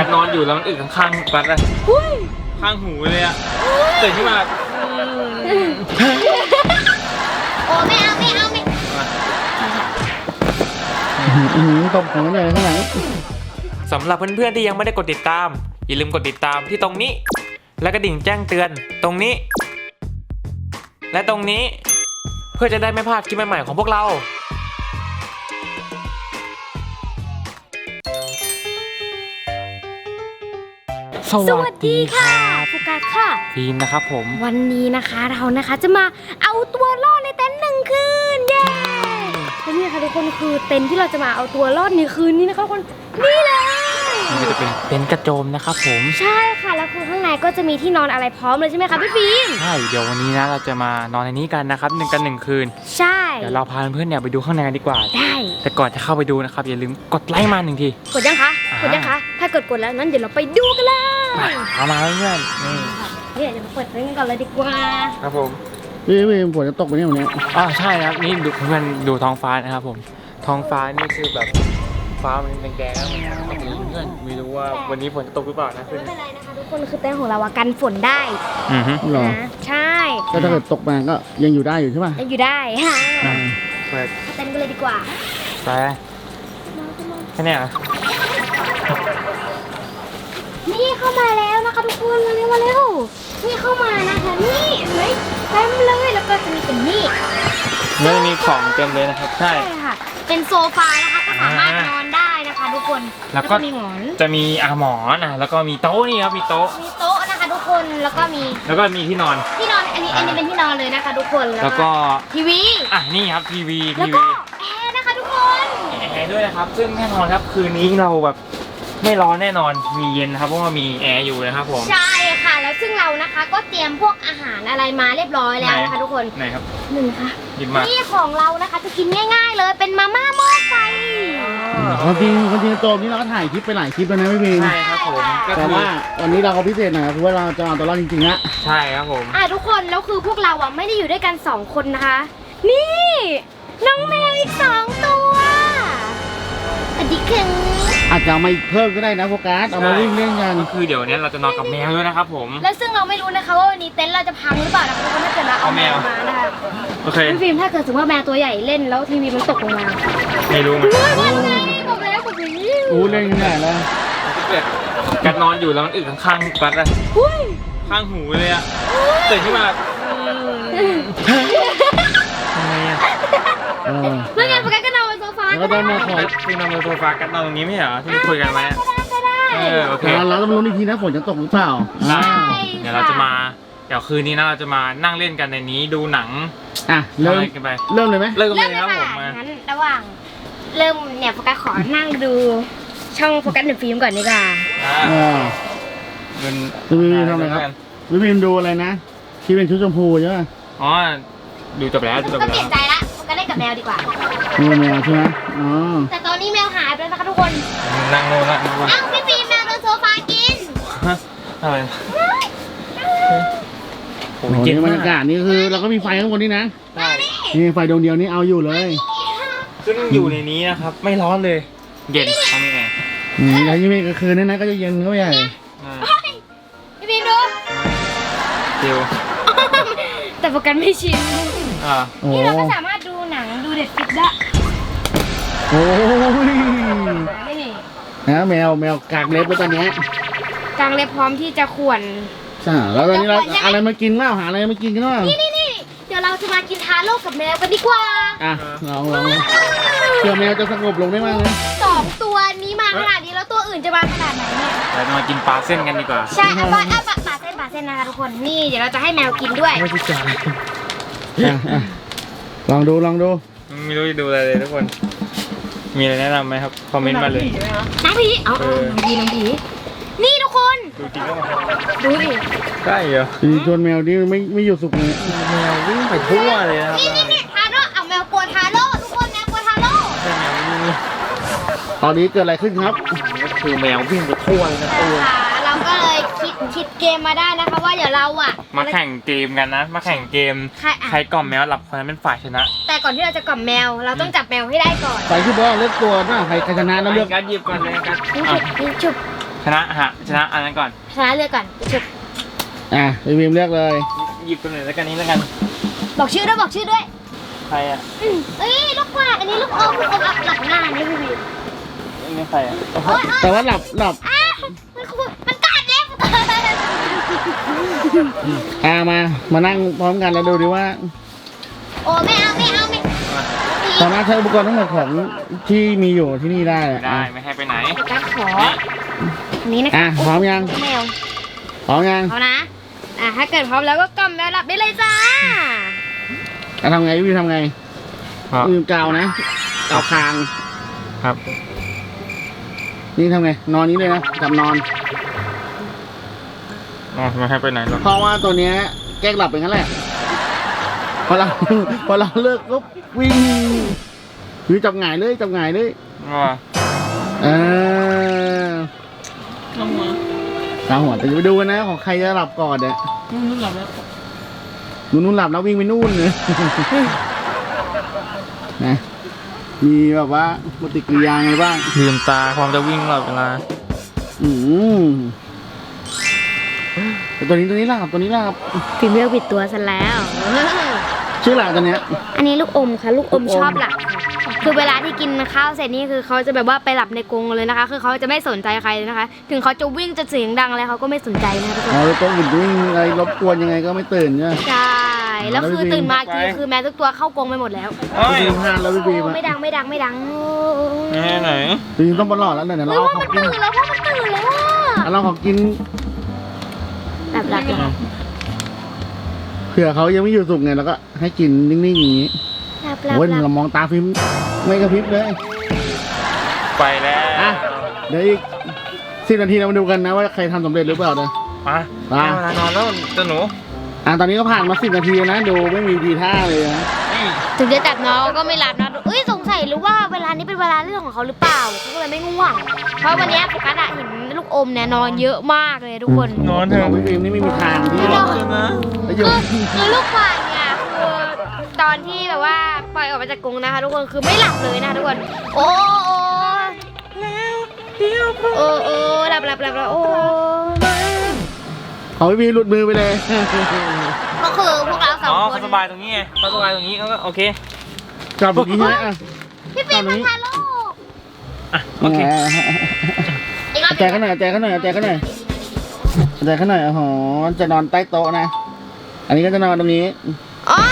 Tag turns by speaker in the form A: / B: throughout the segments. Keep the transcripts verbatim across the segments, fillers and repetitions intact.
A: นอนอยู่แล้วมันอึข้างๆกัดอะข้างหูเลยอะตื่นขึ้นมา
B: โอ้ไม่เอาไม่เอาไม่
C: ตบของเลยข้างหลัง
A: สำหรับเพื่อนๆที่ยังไม่ได้กดติดตามอย่าลืมกดติดตามที่ตรงนี้และกระดิ่งแจ้งเตือนตรงนี้และตรงนี้เพื่อจะได้ไม่พลาดคลิปใหม่ๆของพวกเรา
B: สวัสดีค่ะโฟกัสค่ะ
A: ฟิล์มนะครับผม
B: วันนี้นะคะเรานะคะจะมาเอาตัวรอดในเต็นท์หนึ่งคืนเย้และนี่ค่ะทุกคนคือเต็นท์ที่เราจะมาเอาตัวรอดในคืนนี้นะคะทุกคนนี่เลย
A: นี่จะเป็นเต็นท์กระโจมนะครับผม
B: ใช่ค่ะแล้วคือข้างในก็จะมีที่นอนอะไรพร้อมเลยใช่ไหมคะพี่ฟิล์ม
A: ใช่เดี๋ยววันนี้นะเราจะมานอนในนี้กันนะครับหนึ่งกันหนึ่งคืน
B: ใช่
A: เดี๋ยวเราพาเพื่อนๆเนี่ยไปดูข้างในกันดีกว่า
B: ได้
A: แต่ก่อนจะเข้าไปดูนะครับอย่าลืมกดไลค์มาหนึ่งที
B: กดยังคะกดยังคะถ้ากดกดแล้วนั้นเดี๋ยวเราไปดูกันเลย
A: เอามาเพื่อนนี่
B: เดี๋ยวจะเปิดเต็นท์กันเลยดีกว่า
A: ครับผม
C: พี่พี่ฝนจะตกไปเนี่ยวันนี้
A: อ๋อใช่ครับนี่ดูเพื่อนดูท้องฟ้านะครับผมท้องฟ้านี่คือแบบฟ้ามันแดงๆนะครับเพื่อนไม่รู้ว่าวันนี้ฝนจะตกหรือเปล่านะ
B: ไม่เป็นไรนะคะทุกคนคือเต็นท์ของเรากันฝนได้
A: อือฮึ
C: หรอ
B: ใช่
C: ก็ถ้าเกิดตกมาก็ยังอยู่ได้อยู่ใช่ป่ะ
B: ยังอยู่ได้ค่ะ
A: เปิด
B: เต็นท์กันเลยดีกว่า
A: ไปแค่นี้เหรอ
B: นี่เข้ามาแล้วนะคะทุกคนมาเร็วมาเร็วนี่เข้ามานะคะนี่เห็นไหมเต็มเลยแล้วก็จะมีเป็นนี่
A: ไม่มีของเต็มเลยนะครับใช่
B: ค่ะเป็นโซฟานะคะก็สามารถนอนได้นะคะทุกคน
A: แล้วก็มีหมอนจะมีอาหมอนนะแล้วก็มีโต๊ะนี่ครับมีโต๊ะ
B: มีโต๊ะนะคะทุกคนแล้วก็มี
A: แล้วก็มีที่นอน
B: ที่นอนอันนี้อันนี้เป็นที่นอนเลยนะคะทุกคน
A: แล้วก็
B: ทีวี
A: อ่ะนี่ครับทีวี
B: ทีวีแอร์นะคะทุกคน
A: แอร์ด้วยนะครับซึ่งแน่นอนครับคืนนี้เราแบบไม่ร้อนแน่นอนมีเย็นนะครับเพราะว่ามีแอร์อยู่นะครับผม
B: ใช่ค่ะแล้วซึ่งเรานะคะก็เตรียมพวกอาหารอะไรมาเรียบร้อยแล้วนะคะทุกคน
A: ไหนครับ
B: หนึ่งค่ะ
A: หยิบมา
B: นี่ของเรานะคะจะกินง่ายๆเลยเป็นมาม่าหม้อไฟ
C: ความจริงความจริงโจมนี่เราก็ถ่ายคลิปไปหลายคลิปแล้วนะพี่พิง
A: ใช่ครับผม
C: แต่ว่าวันนี้เราก็พิเศษหน่อยคือว่าเราจะเอาตัวรอดจริงๆอะ
A: ใช่ครับผม
B: อ่ะทุกคนแล้วคือพวกเราอ่ะไม่ได้อยู่ด้วยกันสองคนนะคะนี่น้องแมวอีกสองตัวอดีคือ
C: อาจจะเอามาเพิ่มก็ได้นะโฟกัสเอามาวิ่งเล่นกัน
A: ก็คือเดี๋ยวนี้เราจะนอนกับแมวด้วยนะครับผม
B: และซึ่งเราไม่รู้นะคะว่าวันนี้เต็นท์เราจะพังหรือเปล่านะคะทุกคนถ้าเกิดเราเอาแมวมานะคะ
A: โอเค
B: พี่ฟิล์มถ้าเกิดสมมติว่าแมวตัวใหญ่เล่นแล้วทีวีมันตกลงมา
A: ไม่รู้เหมือนกัน
B: บอกแล้วบอกนี้
C: โอ้เล่นกันใหญ่แล้ว
A: เกิดกัดนอนอยู่แล้วมันอึข้างๆกัดอะข้างหูเลยอะตื่นขึ้นมาทำไมอะ
B: แล้วไงโฟกัสก็นอนบนโซฟา
C: แล้วก็นอนขอ
A: คือนอนบนโซฟากัดนอนตรงนี้ไม่เหรอที่คุยกันไหมเออโอเค
C: เราต้องรู้อีกทีนะฝนจะตกหรือเปล่า
A: เดี๋ยวเราจะมาเดี๋ยวคืนนี้นะเราจะมานั่งเล่นกันในนี้ดูหนัง
C: อ่ะเริ่มกันไปเริ่มเลยไหม
A: เริ่มเลยครับผม
B: งั้นระหว่างเริ่มเนี่ยโฟกัสขอนั่งดูช่องโฟกัสหนึ่งฟิล์มก่อนดีกว่า
C: อ่า
A: เป็น
C: วิวทำอะไรครับวิวดูอะไรนะที่เป็นชุดชมพูใช่ไหม
A: อ๋อดูจบแล้วดูจบแล้ว
B: ก็เปลี่ยนใจละโฟกัสเล่นกับแมวดีกว่า
C: แมวใช่ไหมอ๋อ
B: แต่ตอนนี้แมวหายไปแล้วนะคะทุกคน
A: นั่งโน่นละ
B: อ้าวพี่ฟิล์มแมวโดนโซฟากิน
A: อะไร
C: โอ้โหนี่บรรยากาศนี่คือเราก็มีไฟข้างบนนี่นะนี่ไฟดวงเดียวนี่เอาอยู่เลย
A: ซึ่งอยู่ในนี้นะครับไม่ร้อนเลยเย็นทำยังไง
C: อืมแล้วยิ่งกลางคืนนี่นะก็จะเย็นเข้าไปใหญ่
B: พี่ฟิล์มดู
A: เดียว
B: แต่โฟกัสไม่ชิน
A: อ่า
B: นี่เราก็สามารถดูหนังดูเด็ดฟิกได้
C: โอ้ยนะแมวแมวกางเล็บแล้วตอนนี้
B: กางเล็บพร้อมที่จะข่วน
C: ใช่แล้วตอนนี้เราอะไรมากินเล่าหาอะไรมากินกันเล่า
B: นี่นี่นี่เดี๋ยวเราจะมากินทาโร่กับแมวกันดีกว่า
C: อ่ะลองลองเผื่อแมวจะสงบลงได้มั้งเลย
B: สองตัวนี้มาขนาดนี้แล้วตัวอื่นจะมาขนาดไหนเนี่ย
A: เราจะมากินปลาเส้นกันดีกว่า
B: ใช่เอาปลาเอาปลาปลาเส้นปลาเส้นนะคะทุกคนนี่เดี๋ยวเราจะให้แมวกินด้วย
A: ไม่ใช่จาน
C: ลองดูลองดู
A: ไม่รู้จะดูอะไรเลยทุกคนมีอะไรแนะนำไหมครับคอมเมนต์มาเลย
B: น้องผีเอาน้องผีน้องผีนี่ทุกคน
A: ดูจริงก็
B: ดูดิ
A: ใช่เหรอ
C: ชวนแมวนี่ไม่ไม่หยุดสุกเลย
A: แมววิ่งไปทั่วเลยนะครับ
B: นี่นี่ทาโร่เอาแมวกลัวทาโร่ทุกคนแมวกลัวทาโร่
A: ใช่แมวนี่
C: ตอนนี้เกิดอะไรขึ้นครับ
A: ก็คือแมววิ่งไปทั่วเลยนะตัว
B: เราก็เลยคิดคิดเกมมาได้นะคะว่าเดี๋ยวเราอ่ะ
A: มาแข่งเกมกันนะมาแข่งเกมใครกล่อมแมวหลับคนนั้นเป็นฝ่ายชนะ
B: แต่ก่อนที่เราจะกล่อมแมวเราต้องจับแมวให้ได้ก่อน
C: ใครที่บอกเลือกตัวนะใครชนะแล้วเลือก
A: การหยิบก่อนเลยกัน
B: ชุบชุบ
A: ชนะฮะชนะอันนั้นก่อน
B: ชนะเลือกก่อนจุด
C: อ่ะพี่บีมเลือกเลย
A: หยิบตัวไหนแล้วกันนี้แล้วกัน
B: บอกชื่อด้วยบอกชื่อด้วย
A: ใครอ่ะ
B: อืมเอ้ยลูกกวาดอันนี้ลูกอมลูกอมอับหลับหน้านี่พี่บีม
A: อันนี้ใครอ่ะ
B: โอ๊ยโอ๊ย
C: แต่ว่าหลับหลับ
B: อ้ามันขูดมันกัดเล็บ
C: อ่ามามานั่งพร้อมกันแล้วดูดิว่า
B: โอ้ไม่เอาไม่เอาไม่
C: สามารถใช้อุปกรณ์ทั้งหมดของที่มีอยู่ที่นี่ได้อะ
A: ได้ไม่ให้ไปไหน
B: กัดขออันนี้นะ
C: อ่ะพร้อมยัง
B: แมว
C: พร้อมยัง
B: เอานะอ่ะถ้าเกิดพร้อมแล้วก็กำแมวหลับได้เลยจ้า
C: อ่ะทำไงพี่บีมทำไง
A: ครับ
C: พี่บีมกาวนะกาวคาง
A: ครับ
C: นี่ทำไงนอนนี้เลยนะจับนอน
A: อ๋อไม่ให้ไปไหนหรอก
C: เพราะว่าตัวเนี้ยแกล้งหลับเป็นงั้นแหละพอเรา พอเราเลิกปุ๊บวิ่งคือจับหงายเลยจับหงายเลย
A: ว่า
C: เออตาหัวแต่จะไปดูกันนะของใครจะหลับก่อนเนี่ยนู่นหลับแล้วนู่นหลับแล้ววิ่งไปนู่นเลย นะมีแบบว่าปฏิกิริยาไงบ้าง
A: ลืมตาความจะวิ่งตลอดเวลา
C: อืมแต่ตัวนี้ตัวนี้หลับตัวนี้หลับ
B: พิมพ์เลือกผิดตัวซะแล้ว
C: ชื่อหลับตัวเนี้ย
B: อันนี้ลูกอมค่ะลูกอม
C: ลูกอม
B: ชอบหลับค่ะคือเวลาที่กินข้าวเสร็จนี่คือเขาจะแบบว่าไปหลับในกรงเลยนะคะ คือเขาจะไม่สนใจใครเลยนะคะ ถึงเขาจะวิ่งจะเสียงดังอะไรเขาก็ไม่สนใจนะคะทุกคน
C: อ๋อแล้วตัวอื่นวิ่งอะไรรบกวนยังไงก็ไม่ตื่นใช่ไหม
B: ใช่แล้วคือตื่นมาอีกทีคือแมวทุกตัวเข้ากรงไปหมดแล้ว
A: เอ้ย
C: พี่บีมพลาดแล้วพี่บีม
B: โอ้
C: อะ
B: ไม่ดังไม่ดังไม่ดัง
A: ไหนไหน
C: พี่บีมต้องบอลหลอดแล้วเดี๋ยว
B: หรื
C: เรา
B: อว่า
C: เอาข
B: มั
C: อน งกิน
B: ตื่นแล้วว่ามันตื่นแล้วว่า
C: เอาเราของกิน
B: หลับหลับหลับ
C: เผื่อเขายังไม่อยู่สุกไงแล้วก็ให้กินนิ่งๆอย่างนี้
B: หลับหลับ
C: โอ้ย
B: หลับ
C: เรามองตาฟิล์มไม่กระพริบเลย
A: ไปแล้ว
C: อ่ะ เดี๋ยวอีกสิบนาทีเรามาดูกันนะว่าใครทำสำเร็จหรือเปล่านะ
A: มา
C: มา
A: เวลานอนแล้วเจ้าหนู
C: อ่ะตอนนี้ก็ผ่านมาสิบนาทีแล้วนะดูไม่มีทีท่าเลยนะ
A: นี่
B: ถึงจะจับน้องก็ไม่หลับนะเอ้ยสงสัยหรือว่าเวลานี้เป็นเวลาเรื่องของเขาหรือเปล่าเขาก็เลยไม่ง่วง เพราะวันนี้โฟกัสอะเห็นลูกอมเนี่ยนอนเยอะมากเลยทุกคน
A: นอนเถ
C: ขอ
A: อะ
C: งพี่ฟิล์มนี่ไม่มีทางที่
B: ไม่
C: จะ
B: ได้
A: นะ
C: ประโย
B: คือ
C: ชน์
B: คือลูกควายเนี่ยคือตอนที่แบบว่าปล่อยออกมาจากกรงนะคะทุกคนคือไม่หลับเลยนะคะทุกคน โอ้โอ้โอ้โอ้หลับหลับหลับหลับโอ้
C: ของพี่ฟิล์มหลุดมือไปเลย
B: ก็คือพวกเราสอง
A: อ๋อ
B: ค
A: เขา
B: น
A: สบายตรงนี้ไงเขาสบายตรงนี้เขาก็โอเค
C: จับแบบนี้ใช่ไหมอ่ะ
B: พี่ฟิล์มมันพาลูก
A: อ่ะโอเค
B: อีกรอบ
C: แจกเขาหน่อยแจกเขาหน่อยแจกเขาหน่อยแจกเขาหน่อยอ๋อจะนอนใต้โต๊ะนะ อันนี้ก็จะนอนตรงนี้
B: อ๋อ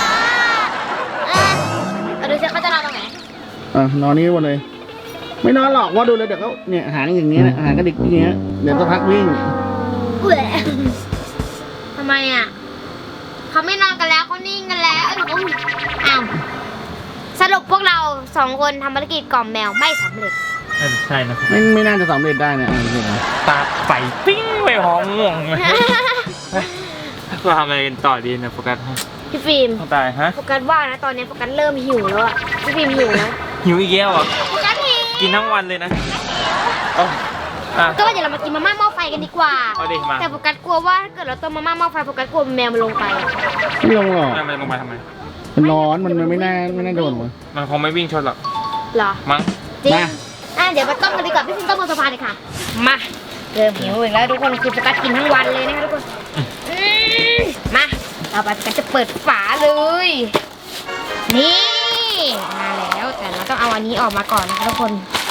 B: เอาดูซิเขาจะนอนตรงไหน
C: อ่ะนอนนี่หมดเลย ไม่นอนหรอกว่าดูเลยเดี๋ยวเขาเนี่ยหางอย่างเงี้ยนะหางกระดิกอย่างเงี้ยเดี๋ยวจะพักวิ่ง
B: เบื่อทำไมอ่ะเขาไม่นอนกันแล้วเขานิ่งกันแล้วเอ้ยเขาอ้าวสรุปพวกเราสองคนทำภารกิจกล่อมแมวไม่สำเร็จ
A: น่าจะใช่นะครับ
C: ไม่ไม่น่าจะสำเร็จได้นะอ่ะจริง
A: ตาใส่ปิ้งไปหองง่วงเลยเราทำอะไรกันต่อดีนะโฟกัส
B: พี่ฟิล์ม
A: ต้องตายฮะ
B: โฟกัสว่านะตอนนี้โฟกัสเริ่มหิวแล้วอะพี่ฟิล์มหิวนะ
A: หิวอีกแล้วเหรอ่ะ
B: โฟกัสหิว
A: กินทั้งวันเลยนะเอาอ่ะ
B: ก็ว่าเดี๋ยวเรามากินมาม่าหม้อไฟกันดีกว่า
A: เอาดิมา
B: แต่โฟกัสกลัวว่าถ้าเกิดเราต้มมาม่าหม้อไฟโฟกัสกลัวแมวมันลงไปอะ
C: ๆไม่ลงหรอก
A: ทำไมลงมาทำไม
C: มันร้อนมันมันไม่น่าไม่น่าโดนมัน
A: มันคงไม่วิ่งชนหรอก
B: เหรอ
A: มั้ง
B: จริง
C: มา
B: อ่ะเดี๋ยวมาต้มกันดีกว่าพี่ฟิล์มต้มบนโซฟาเลยค่ะมาเริ่มหิวอีกแล้วทุกคนคือโฟกัสกินทั้งวันเลยนะคะทุกคนอืมมาเราไปกันจะเปิดฝาเลย นี่มาแล้วแต่เราต้องเอาอันนี้ออกมาก่อนนะคะทุกคน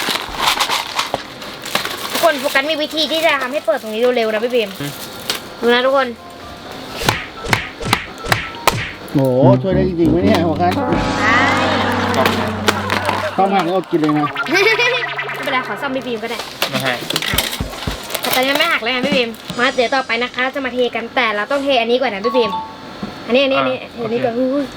B: ทุกคนโฟกัสมีวิธีที่จะทำให้เปิดตรงนี้เร็วๆนะพี่บีมดูนะทุกคน
C: โหช่วยได้จริงๆไหมเนี่ยหัวกัน
B: ใช่
C: ข้าวผักก็อดกินเลยนะ
B: ไม่เป็นไรขอซ่อมพี่บีมก็ได้
A: ไม่ให้
B: แต่ตอนนี้ไม่หักแล้วไงพี่บีมมาเดี๋ยวต่อไปนะคะเราจะมาเทกันแต่เราต้องเทอันนี้ก่อนนะพี่บีมอันนี้อันนี้อันนี้อันนี้ก่อนอุ้ย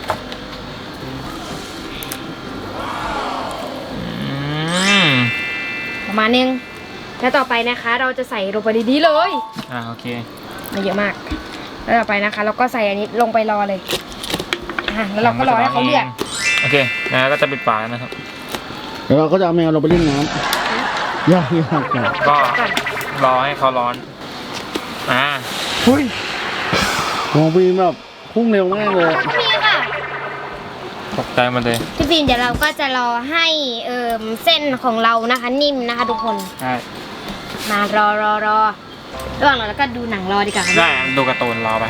A: อืม
B: ประมาณนึงแล้วต่อไปนะคะ เราจะใส่ลงไปดีๆเลย
A: อ่าโอเค
B: มาเยอะมากแล้วต่อไปนะคะเราก็ใส่อันนี้ลงไปรอเลยอ่ะแล้วเราก็รอให้เขาเดือด
A: โอเคนะก็จะปิดฝานะครับ
C: เดี๋ยวเราก็จะเอาแมวเราไปเล่นน้ำยากยากก่อน
A: ก็
B: ก่อน
A: รอให้เขาร้อน อ่า
C: หุ้ยมองฟิล์มแบบพุ่งเร็วมากเลย
B: พี่ค่ะ
A: ตกใจหมันเลย
B: พี่ฟิล์มเดี๋ยวเราก็จะรอให้เอ่อเส้นของเรานะคะ นิ่มนะคะ ทุกคน
A: ใช่
B: มารอรอรอระหว่างรอแล้วก็ดูหนังรอดีกว่าครับ
A: ได้ดูการ์ตูนรอไป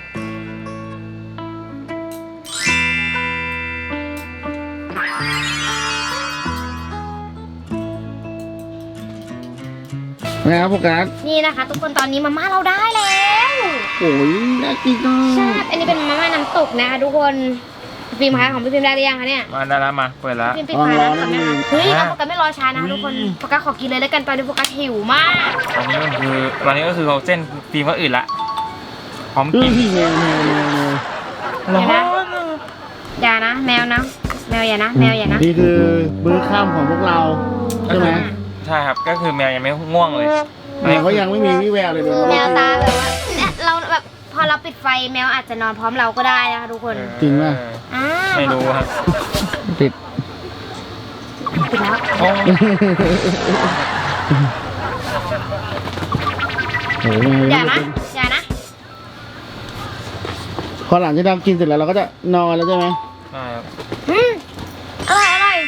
C: นะครับโฟกัส
B: นี่นะคะ ทุกคนตอนนี้มาม่าเราได้แล้ว
C: โอ้ยน่ากินจัง
B: ใช่อันนี้เป็นมาม่าน้ำตกนะคะทุกคนฟิล์มคะของพี่ฟิล์มได้หรือยังคะเนี่ย
A: มาได้แล้วมาเปิดแล้ว
B: ฟิล์มปิดไฟแล้วก่อนไหมคะเฮ้ยเอาโฟกัสไม่รอช้านะคะทุกคนโฟกัสขอกินเลยแล้วกันตอนนี้โฟกัสหิวมาก
A: ตอนนี้มันคือตอนนี้ก็คือเขาเส้นฟิล์มก็อื่นละพร้อม
C: เฮ้
A: กิ
C: ย
A: น
C: พี่แมวแมวแมวแมว
B: เดี๋ยวนะอย่านะแมวนะแมวอย่านะแมวอย่านะ
C: นี่คือมื้อค่ำของพวกเราใช่ไหม
A: ใช่ครับก็คือแมวยังไม่ง่วงเลย
C: แมวเขายังไม่มีวี่แววเลย
B: คือแมวตาแบบว่าเนี่ยเราแบบพอเราปิดไฟแมวอาจจะนอนพร้อมเราก็ได้นะคะทุกคน
C: จริงป่ะ
B: อ่า
A: ไม่รู้ครับ
C: ติด
B: ปิดแล้ว
A: โอ้
C: โอ้โห
B: อย่านะอย่านะ
C: พอหลังจากเรากินเสร็จแล้วเราก็จะนอนแล้วใช่ไหม
A: ใช่ครับ
B: อืมอร่อยอร่อย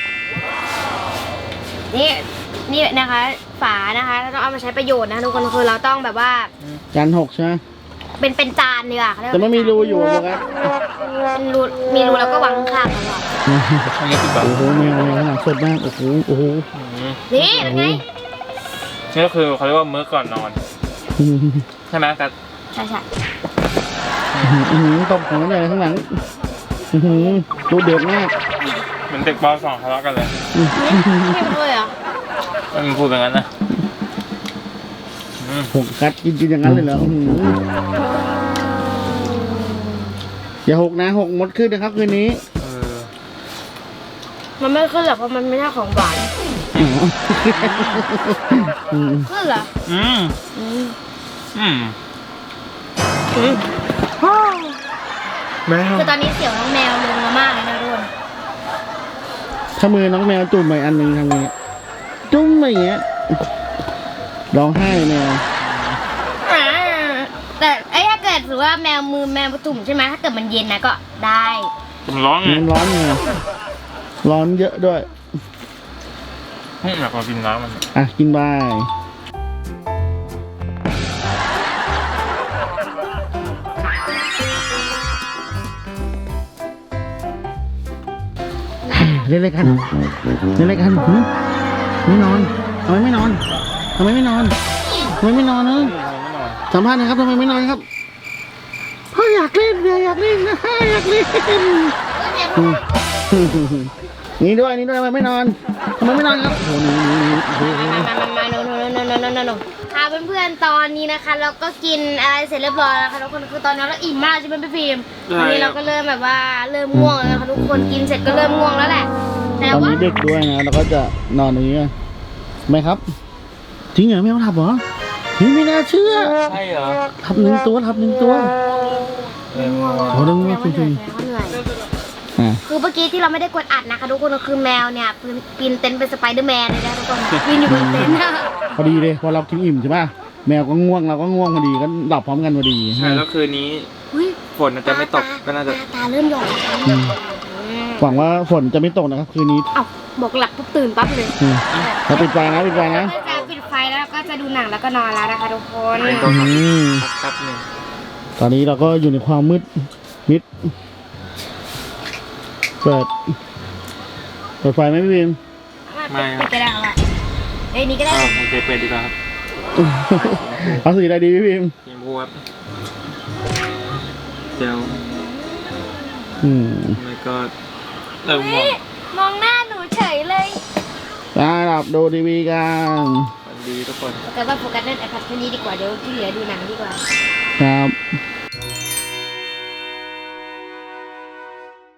B: นี่นี่นะคะฝานะคะเราต้องเอามาใช้ประโยชน์นะทุกคนคือเราต้องแบบว่า
C: จานหกใช่ไหม
B: เป็นเป็นจานดีกว่าเขาเรียก
C: แต่
B: ว่า
C: ไม่มีรูอยู่อะโฟกัส
B: เป็นรูมีรูแล้วก็วางข้างๆตลอด
A: อันนี้คือแบบ
C: โอ้โหแมวแมวขนาดสดมากโอ้โหโอ้โห
A: อืม
B: นี่เป็นไง
A: นี่ก็คือเขาเรียกว่ามื้อก่อนนอน ใช่ไหมกัน
B: ใช่ใช่
C: อื้อหือตบของมันใหญ่ข้างหลังอื้อหือดูเดือดมาก
A: เหมือนเด็กป .สอง ทะเลาะกันเลย
B: เข้มเลยเหรอ
A: มันพูดแบบนั้นนะอืม
C: หกกัดกินกินอย่างนั้นเลยเหรออื้อหืออย่าหกนะหกมดขึ้นนะครับคืนนี้
A: เออ
B: มันไม่ขึ้นหรอกเพราะมันไม่ใช่ของหวาน
C: อ๋ออืม
B: ขึ้นเหรอ
A: อืม
B: อืม
A: อืม
B: อืม
A: แมว
B: คือตอนนี้เสียวน้องแมวลงมามากเลยนะทุกคน
C: ถ้ามือน้องแมวจุ่มไปอันหนึ่งทำไงจุ่มไปอย่างเงี้ยร้องไห้แมว
B: อ่าแต่ไอ้ถ้าเกิดถือว่าแมวมือแมวตุ่มใช่ไหมถ้าเกิดมันเย็นนะก็ได้
A: ผมร้องไง
C: มันร้อนไงร้อนเยอะด้วย
A: อืมอยากลองกินน้ำมัน
C: อ่ะกินไปเล่นอะไรกันเล่นอะไรกันหึไม่นอนทำไมไม่นอนทำไมไม่นอนทำไมไม่นอนเนอะสัมภาษณ์หนะครับทำไมไม่นอนครับพ่ออยากเล่นเนี่ยอยากเล่นนะอยากเล่นอืมนี่ด้วยนี่ด้วยทำไมไม่นอนทำไมไม่นอนครับโอ้โหหนี่นี่โอ้โห
B: มามามามาโนโนโนโนโนโนโนค่ะเพื่อนๆตอนนี้นะคะ เราก็กินอะไรเสร็จเรียบร้อยแล้วค่ะทุกคนคือตอนนี้เราอิ่มมากใช่ไหมพี่ฟิล์มตอนนี้เราก็เริ่มแบบว่าเริ่มง่วงแล้วนะคะทุกคนกินเสร็จก็เริ่มง่วงแล้วแหละแต่
C: ตอน
B: ว่า
C: นี้เด็กด้วยนะเราก็จะนอนอย่างนี้กันไหมครับจริงเหรอไม่เอาทับเหรอเฮ้ยไม่น่าเชื่อ
A: ใช่เหรอ
C: ทับหนึ่งตัวทับหนึ่งตัว
A: เออ
C: โอ้เรื่อง
B: แม
C: นี้
B: ว
C: จ
B: เหนื่
C: ริ
B: อย
C: ง
B: เขาเหนื่อย
C: ๆอ่ะ
B: คือเมื่อกี้ที่เราไม่ได้กดอัดนะคะทุกคนก็คือแมวเนี่ยปีนเต็นท์เป็นสไปเดอร์แมนเลยนะทุกคนปีนอยู่บนเต็นท์
C: พอดีเลยพอเรากินอิ่มใช่ป่ะแมวก็ง่วงเราก็ง่วงพอดีก็หลับพร้อมกันพอดี
A: ใช่แล้วคืนนี้
B: อุ๊ย
A: ฝนอาจจะไม่ตกก็น่าจะ
B: ตาตาเริ่มหย่อนแล้ว
C: อืมหวังว่าฝนจะไม่ตกนะครับคืนนี้
B: เอ้าบอกหลับปุ๊บตื่นปั๊บเลย
C: อืมเราปิดไฟนะปิดไฟนะ
B: ก็จะปิดไฟแล้วก็จะดูหนังแล้วก็นอนแล้วนะคะทุกคน
A: เป็น
C: อืม
A: แป๊บหนึ่ง
C: ตอนนี้เราก็อยู่ในความมืดมิดเปิดเปิดไฟไหมพี่บีม
B: ไม่ปิดก็ได้ค่ะเอ้ยนี่ก็ได้
A: อ้าวโอเคเปิดดีกว่าครับ
C: เอาสีอะไรดีพี่บีม
A: ยิงพูครับเดี๋ยว
C: อืม
A: แล้วก็เริ่มมอง
B: มองหน้าหนูเฉยเลย
C: อ่าหลับดูทีวีกัน
A: สวัสดีทุกคน
B: แต่ว่าโฟกัสเล่นไอแพดแค่นี้ดีกว่าเดี๋ยวที่เหลือดูหนังดีกว่า
C: ครับ
B: อ